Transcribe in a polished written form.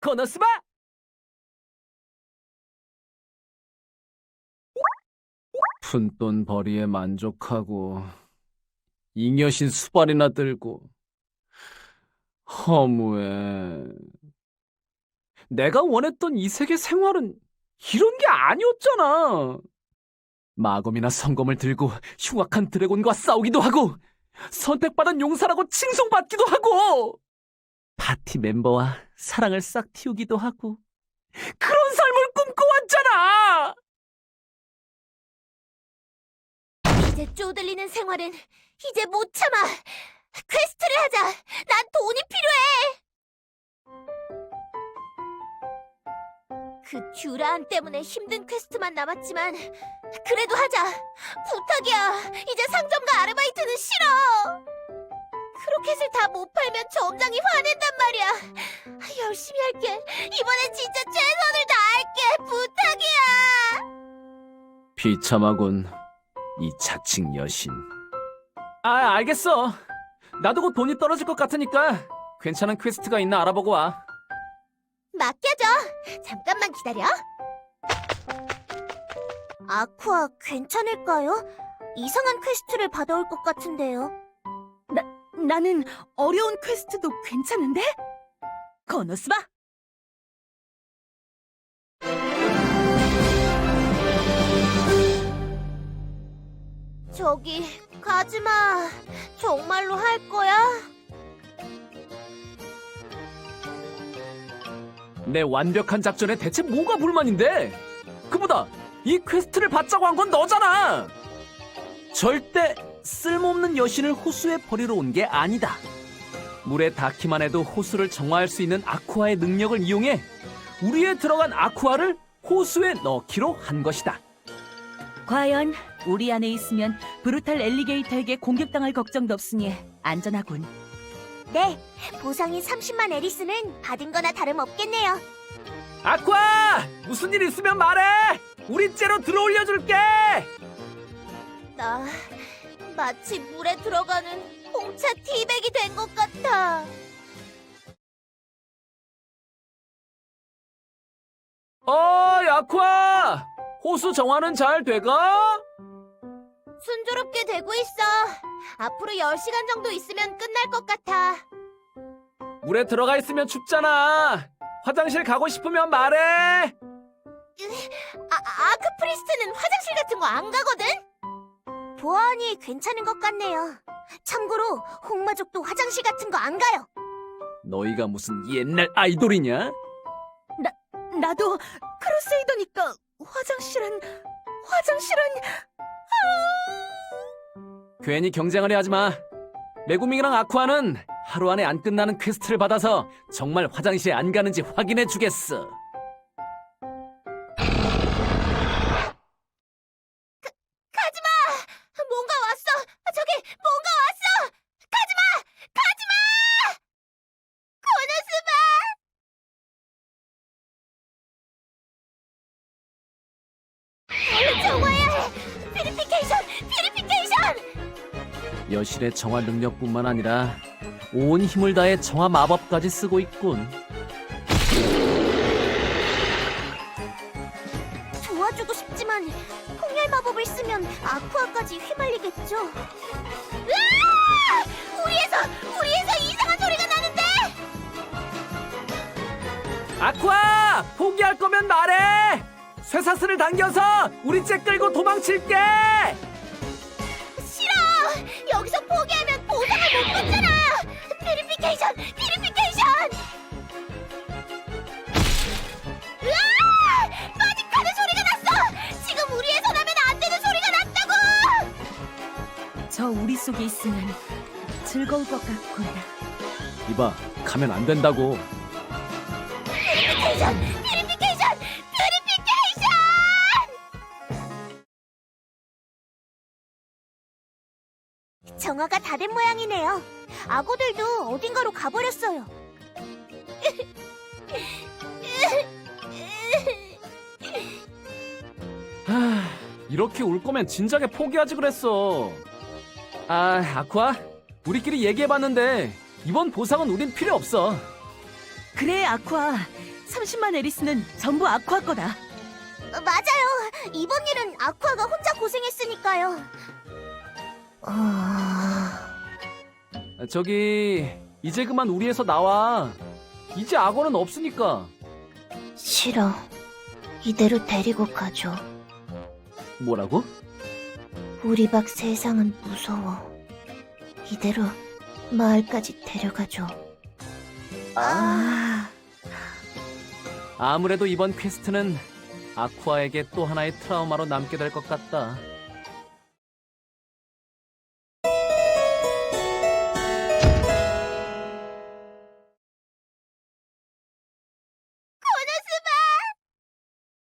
コノスバ! 푼돈 벌이에 만족하고 잉여신 수발이나 들고 허무해. 내가 원했던 이 세계 생활은 이런 게 아니었잖아. 마검이나 성검을 들고 흉악한 드래곤과 싸우기도 하고 선택받은 용사라고 칭송받기도 하고 파티 멤버와 사랑을 싹 틔우기도 하고 그런 삶을 꿈꿔왔잖아. 이제 쪼들리는 생활은 이제 못 참아. 퀘스트를 하자. 난 돈이 필요해. 그 듀라안 때문에 힘든 퀘스트만 남았지만 그래도 하자. 부탁이야. 이제 상점과 아르바이트는 싫어. 크로켓을 다 못 팔면 점장이 화낸단 말이야. 열심히 할게. 이번엔 진짜 최선을 다할게. 부탁이야. 비참하군, 이 자칭 여신. 알겠어. 나도 곧 돈이 떨어질 것 같으니까 괜찮은 퀘스트가 있나 알아보고 와. 맡겨줘. 잠깐만 기다려. 아쿠아 괜찮을까요? 이상한 퀘스트를 받아올 것 같은데요. 나는 어려운 퀘스트도 괜찮은데? 코노스바! 저기 가지마. 정말로 할 거야? 내 완벽한 작전에 대체 뭐가 불만인데? 그보다 이 퀘스트를 받자고 한 건 너잖아. 절대 쓸모없는 여신을 호수에 버리러 온 게 아니다. 물에 닿기만 해도 호수를 정화할 수 있는 아쿠아의 능력을 이용해 우리에 들어간 아쿠아를 호수에 넣기로 한 것이다. 과연 우리 안에 있으면 브루탈 엘리게이터에게 공격당할 걱정도 없으니 안전하군. 네, 보상인 30만 에리스는 받은 거나 다름없겠네요. 아쿠아! 무슨 일 있으면 말해! 우리 째로 들어올려줄게! 나 마치 물에 들어가는 홍차 티백이 된 것 같아. 아쿠아! 호수 정화는 잘 돼가? 순조롭게 되고 있어. 앞으로 10시간 정도 있으면 끝날 것 같아. 물에 들어가 있으면 춥잖아. 화장실 가고 싶으면 말해. 아크프리스트는 화장실 같은 거 안 가거든? 보아하니 괜찮은 것 같네요. 참고로 홍마족도 화장실 같은 거 안 가요. 너희가 무슨 옛날 아이돌이냐? 나도 크루세이더니까 화장실은... 괜히 경쟁하려 하지 마. 메구밍이랑 아쿠아는 하루 안에 안 끝나는 퀘스트를 받아서 정말 화장실에 안 가는지 확인해 주겠어. 가지마! 뭔가 왔어! 저기 뭔가 왔어! 가지마! 가지마! 코노스바! 얼른 정화해야 해! 퓨리피케이션! 여실의 정화 능력뿐만 아니라 온 힘을 다해 정화 마법까지 쓰고 있군. 도와주고 싶지만 폭렬 마법을 쓰면 아쿠아까지 휘말리겠죠? 으아! 우리에서 이상한 소리가 나는데! 아쿠아! 포기할 거면 말해! 쇠사슬을 당겨서 우리 째 끌고 도망칠게! 싫어! 여기서 포기하면 보상을 못 받잖아! 퓨리피케이션! 으아! 빠직하는 소리가 났어! 지금 우리에서 나면 안 되는 소리가 났다고! 저 우리 속에 있으면 즐거울 것 같군. 이봐, 가면 안 된다고. 퓨리피케이션! 정화가 다 된 모양이네요. 악어들도 어딘가로 가버렸어요. 이렇게 울 거면 진작에 포기하지 그랬어. 아쿠아, 우리끼리 얘기해봤는데 이번 보상은 우린 필요 없어. 그래, 아쿠아. 30만 에리스는 전부 아쿠아 거다. 맞아요. 이번 일은 아쿠아가 혼자 고생했으니까요. 저기 이제 그만 우리에서 나와. 이제 악어는 없으니까. 싫어. 이대로 데리고 가줘. 뭐라고? 우리 박 세상은 무서워. 이대로 마을까지 데려가줘. 아무래도 이번 퀘스트는 아쿠아에게 또 하나의 트라우마로 남게 될 것 같다.